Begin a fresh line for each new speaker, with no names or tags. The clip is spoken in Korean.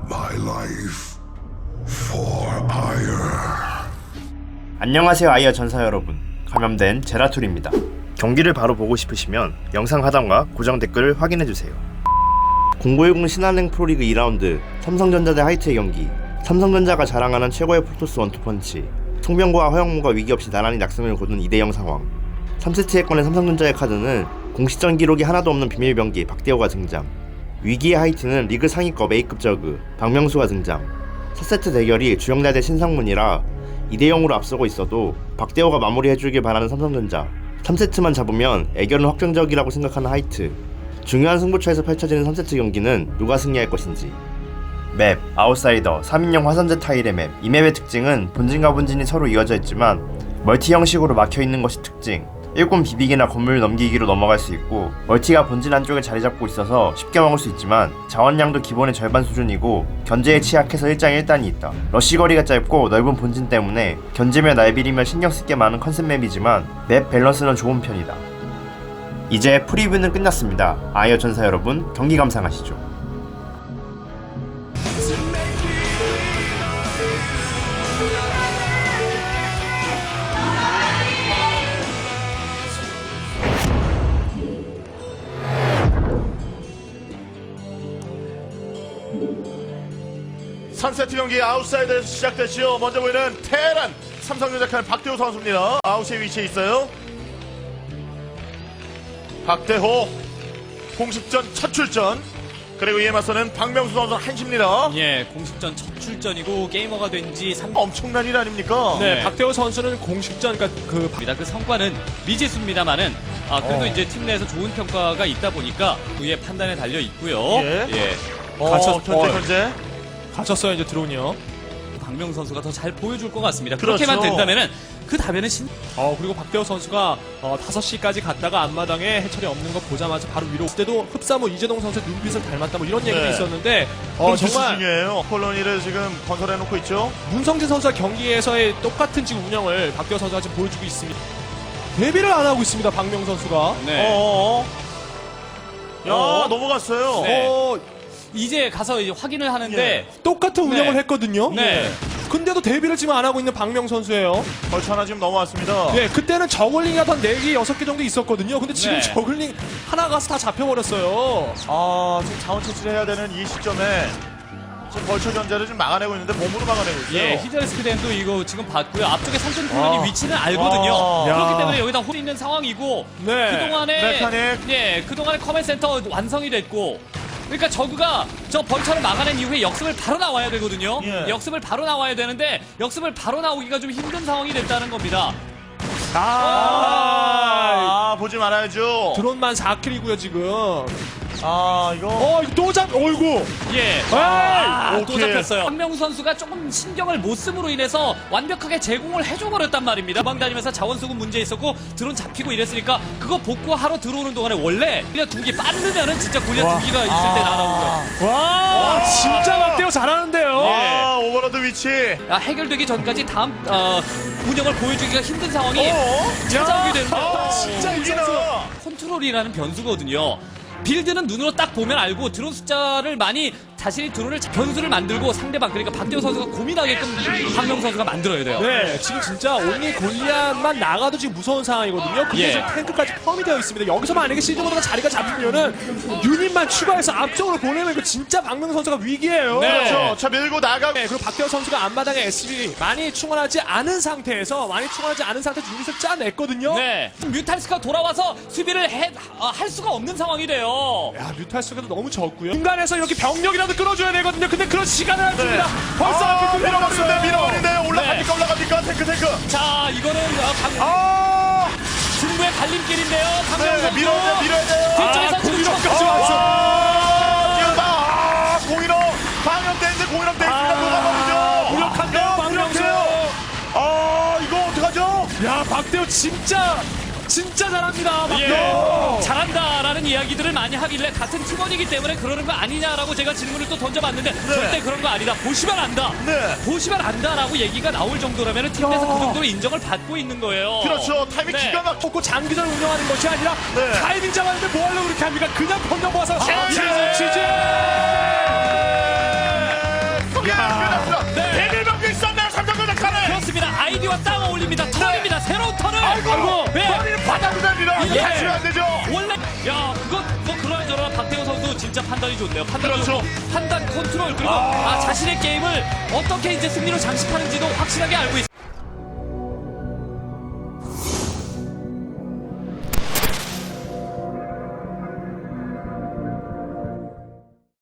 my life for ire.
안녕하세요 아이어 전사 여러분, 감염된 제라툴입니다. 경기를 바로 보고 싶으시면 영상 하단과 고정 댓글을 확인해주세요. 0910 신한은행 프로리그 2라운드 삼성전자 대 하이트의 경기. 삼성전자가 자랑하는 최고의 프로토스 원투펀치, 송병구와 허영무가 위기 없이 나란히 낙승을 거둔 2대0 상황. 3세트에 꺼낸 삼성전자의 카드는 공식전 기록이 하나도 없는 비밀병기 박대호가 등장. 위기의 하이트는 리그 상위급 A급 저그 박명수가 등장. 4세트 대결이 주영대 대 신상문이라 2대0으로 앞서고 있어도 박대호가 마무리해주길 바라는 삼성전자. 3세트만 잡으면 애결은 확정적이라고 생각하는 하이트. 중요한 승부처에서 펼쳐지는 3세트 경기는 누가 승리할 것인지. 맵, 아웃사이더, 3인용 화선제 타일의 맵. 이 맵의 특징은 본진과 본진이 서로 이어져 있지만 멀티 형식으로 막혀있는 것이 특징. 1군 비비기나 건물 넘기기로 넘어갈 수 있고, 멀티가 본진 안쪽에 자리 잡고 있어서 쉽게 먹을 수 있지만 자원량도 기본의 절반 수준이고 견제에 취약해서 1장 1단이 있다. 러쉬 거리가 짧고 넓은 본진 때문에 견제며 날비리며 신경 쓸 게 많은 컨셉 맵이지만 맵 밸런스는 좋은 편이다. 이제 프리뷰는 끝났습니다. 아이어 전사 여러분, 경기 감상하시죠.
선세트 경기 아웃사이드에서 시작됐죠. 먼저 보이는 테란 삼성전자 칸 박대호 선수입니다. 아웃에 위치해 있어요. 박대호 공식전 첫 출전. 그리고 이에 맞서는 박명수 선수 한시입니다.
예, 공식전 첫 출전이고 게이머가 된 지 3년.
엄청난 일 아닙니까?
네.
박대호 선수는 공식전, 그러니까
그 성과는 미지수입니다만은 그래도 이제 팀 내에서 좋은 평가가 있다 보니까 그의 판단에 달려 있고요.
예.
갇혔-
현재.
갇혔어요, 이제 드론이요.
박명수 선수가 더 잘 보여줄 것 같습니다.
그렇죠.
그렇게만 된다면은 그 다음에는
그리고 박대호 선수가 5시까지 갔다가 앞마당에 해철이 없는 거 보자마자 바로 위로. 그때도 흡사모 이재동 선수의 눈빛을 닮았다 뭐 이런 얘기도
네.
있었는데
정말
정말
중요해요. 콜로니를 지금 건설해놓고 있죠.
문성진 선수와 경기에서의 똑같은 지금 운영을 박대호 선수가 지금 보여주고 있습니다. 데뷔를 안 하고 있습니다, 박명 선수가.
네.
야, 넘어갔어요.
네. 이제 가서 이제 확인을 하는데
똑같은 운영을
네.
했거든요.
네.
근데도 데뷔를 지금 안 하고 있는 박명 선수예요.
벌써 하나 지금 넘어왔습니다.
네, 그때는 저글링이 한 4개, 6개 정도 있었거든요. 근데 지금
네.
저글링 하나 가서 다 잡혀버렸어요.
지금 자원 채취를 해야 되는 이 시점에 지금 벌처 견제를 지금 막아내고 있는데 몸으로 막아내고 있어요.
예, 히드레스크덴도 이거 지금 봤고요. 앞쪽에 상전 콜론이 위치는 알거든요.
야.
그렇기 때문에 여기다 홀 있는 상황이고
네.
그동안에
메카닉.
그동안에 커맨 센터 완성이 됐고, 그러니까 저그가 저 벌처를 막아낸 이후에 역습을 바로 나와야 되거든요.
예.
역습을 바로 나와야 되는데 역습을 바로 나오기가 좀 힘든 상황이 됐다는 겁니다.
보지 말아야죠.
드론만 4킬이고요, 지금.
이거.
이거 또 어이구.
예. 또
오케이.
잡혔어요. 박명수 선수가 조금 신경을 못 씀으로 인해서 완벽하게 제공을 해줘버렸단 말입니다. 도망 다니면서 자원수급 문제 있었고 드론 잡히고 이랬으니까 그거 복구하러 들어오는 동안에 원래 골리앗 2기 빠르면은 진짜 골리앗 2기가 있을 때 날아오고요.
와, 진짜 박대호 잘하는데요.
예.
오버로드 위치.
해결되기 전까지 다음 운영을 보여주기가 힘든 상황이 찾아오게 되는데
진짜 이
이기나.
선수.
컨트롤이라는 변수거든요. 빌드는 눈으로 딱 보면 알고 드론 숫자를 많이 자신이 드론을 변수를 만들고 상대방, 그러니까 박대호 선수가 고민하게끔 박명 선수가 만들어야 돼요.
네, 지금 진짜 온리 골리앗만 나가도 지금 무서운 상황이거든요. 근데
예.
지금 탱크까지 펌이 되어 있습니다. 여기서 만약에 시즈모드가 자리가 잡히면은 유닛만 추가해서 앞쪽으로 보내면 이거 진짜 박명 선수가 위기예요.
네.
그렇죠. 자, 밀고 나가고.
네, 그리고 박대호 선수가 앞마당에 SB 많이 충원하지 않은 상태에서 유닛을 짜냈거든요.
네. 뮤탈스가 돌아와서 수비를 할 수가 없는 상황이 돼요.
야, 뮤탈스가 너무 적고요. 중간에서 이렇게 병력이라도 끌어줘야 되거든요. 근데 그런 시간을 안 줍니다. 벌써 앞에
밀어버리는데,
뚫려버렸어요.
올라갑니까? 탱크.
자, 이거는 승부의 갈림길인데요. 박명 선수.
밀어야 돼요.
뒤쪽에서 지금
공격까지 왔어.
뛰어다. 공인호. 방역 댄스, 공인호 댄스가 녹아버리죠.
무력한데요, 박명수.
이거 어떡하죠?
야, 박대호 진짜 잘합니다. 박대호.
예. 잘한다라는 이야기들을 많이 하길래 같은 팀원이기 때문에 그러는 거 아니냐라고 제가 질문을 또 던져봤는데 절대 그런 거 아니다. 보시면 안다.
네.
보시면 안다라고 얘기가 나올 정도라면 팀 내에서 그 정도로 인정을 받고 있는 거예요.
그렇죠. 타이밍
네.
기가 막히고.
먹고 장기전 운영하는 것이 아니라
네.
타이밍 잡았는데 뭐 하려고 그렇게 합니까? 그냥 병력 모아서 치즈.
이거
예.
다치면 안 되죠.
원래 야 그건 뭐 그러저러나 박태호 선수 진짜 판단이 좋네요. 판단이
그렇죠.
좋고 판단 컨트롤 그리고 자신의 게임을 어떻게 이제 승리로 장식하는지도 확실하게 알고 있어요.